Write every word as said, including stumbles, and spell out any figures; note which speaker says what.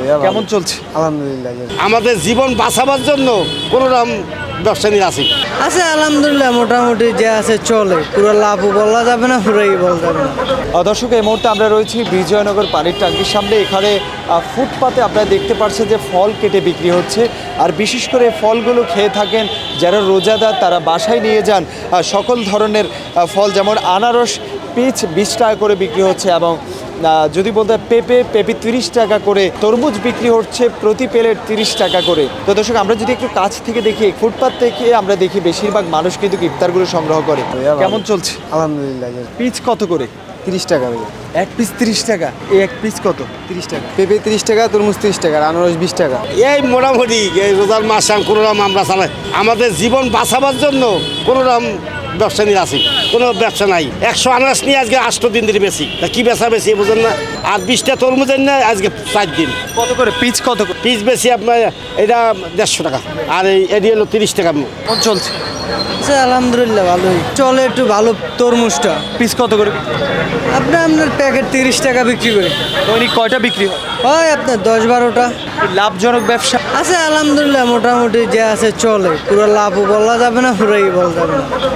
Speaker 1: কেমন চলছে?
Speaker 2: আলহামদুলিল্লাহ।
Speaker 3: আমাদের জীবন বাঁচাবার জন্য কোনো রকম ব্যবসা নিয়ে আসি
Speaker 4: আছে আলহামদুলিল্লাহ, মোটামুটি যে আছে চলে, পুরো লাভও বলা যাবে না, পুরোই বলা যাবে না।
Speaker 1: আহ, দর্শক, এই মুহূর্তে আমরা রয়েছি বিজয়নগর পানির ট্যাঙ্কির সামনে। এখানে আহ, ফুটপাতে আপনারা দেখতে পাচ্ছেন যে ফল কেটে বিক্রি হচ্ছে, আর বিশেষ করে ফলগুলো খেয়ে থাকেন যারা রোজাদার, তারা বাসায় নিয়ে যান আহ, সকল ধরনের আহ, ফল, যেমন আনারস পিচ বিশ টাকা করে বিক্রি হচ্ছে, এবং আহ, যদি বলতে হয় পেঁপে পেঁপে তিরিশ টাকা করে, তরমুজ বিক্রি হচ্ছে প্রতি প্লেট তিরিশ টাকা করে। তো দর্শক, আমরা যদি একটু কাছ থেকে দেখি, ফুটপাত থেকে আমরা দেখি বেশিরভাগ মানুষ কিন্তু ইফতারগুলো সংগ্রহ করে। কেমন চলছে?
Speaker 2: আলহামদুলিল্লাহ।
Speaker 1: পিচ কত করে?
Speaker 2: তিরিশ টাকা ভাইয়া।
Speaker 1: এক পিস তিরিশ টাকা। এই এক পিস কত?
Speaker 2: তিরিশ টাকা। পেঁপে তিরিশ টাকা, তরমুজ তিরিশ টাকা, আর আনারস বিশ টাকা।
Speaker 3: এই মোটামুটি এই রোজার মাস কোনো রকম আমরা চালাই। আমাদের জীবন বাঁচাবার জন্য কোনো রকম ব্যবসা নিয়ে আসি, কোনো ব্যবসা নাই। একশো আনারস নিয়ে আজকে আটশো দিন ধরে বেশি, তা কি বেচা বেশি বুঝেন না। আর বিশটা তরমুজের না আজকে চার দিন।
Speaker 1: কত করে পিচ? কত করে
Speaker 3: পিস বেশি আপনার এটা দেড়শো টাকা, আর এই এটি হলো তিরিশ টাকা।
Speaker 1: কেমন চলছে?
Speaker 4: আছে আলহামদুলিল্লাহ, ভালোই চলে, একটু ভালো তরমুজটা।
Speaker 1: পিস কত করে?
Speaker 4: আপনার আপনার প্যাকেট তিরিশ টাকা বিক্রি করে,
Speaker 1: দৈনিক কয়টা বিক্রি হয়?
Speaker 4: হয় আপনার দশ বারোটা।
Speaker 1: লাভজনক ব্যবসা?
Speaker 4: আছে আলহামদুলিল্লাহ, মোটামুটি যে আছে চলে, পুরো লাভও বলা যাবে না, পুরোই বলা যাবে না।